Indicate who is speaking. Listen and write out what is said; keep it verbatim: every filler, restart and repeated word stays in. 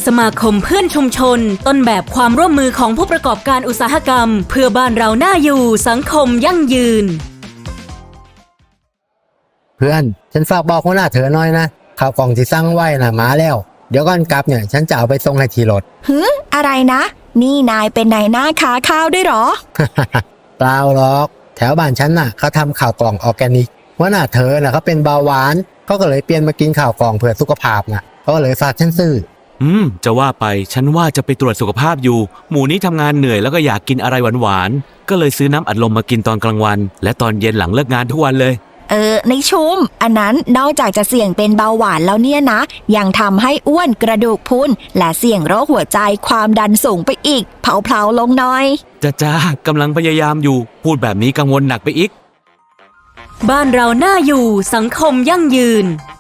Speaker 1: สมาคมเพื่อนชุมชนต้นแบบความร่วมมือของผู้ประกอบการอุตสาหกรรมเพื่อบ้านเราน่าอยู่สังคมยั่งยืน
Speaker 2: เพื่อนฉันฝากบอกหัวหน้าเธอหน่อยนะข่าวกล่องที่สั่งไว้น่ะมาแล้วเดี๋ยวก่อนกลับเนี่ยฉันจะเอาไปส่งให้ที่รถ
Speaker 3: ฮึอะไรนะนี่นายเป็นนายหน้าค้าข้าวด้วยหรอ
Speaker 2: เปล่าหรอกแถวบ้านฉันน่ะเขาทำข่าวกล่องออร์แกนิกหัวหน้าเธอน่ะเขาเป็นเบาหวานเขาก็เลยเปลี่ยนมากินข่าวกล่องเพื่อสุขภาพน่ะเขาก็เลยฝากฉันซื้อ
Speaker 4: อืมจะว่าไปฉันว่าจะไปตรวจสุขภาพอยู่หมู่นี้ทำงานเหนื่อยแล้วก็อยากกินอะไรหวานๆก็เลยซื้อน้ำอัดลมมากินตอนกลางวันและตอนเย็นหลังเลิกงานทุกวันเลย
Speaker 3: เออในชุมอันนั้นนอกจากจะเสี่ยงเป็นเบาหวานแล้วเนี่ยนะยังทำให้อ้วนกระดูกพรุนและเสี่ยงโรคหัวใจความดันสูงไปอีกเผาๆลงหน่อย
Speaker 4: จ้าจ้ากำลังพยายามอยู่พูดแบบนี้กังวลหนักไปอีก
Speaker 1: บ้านเราน่าอยู่สังคมยั่งยืน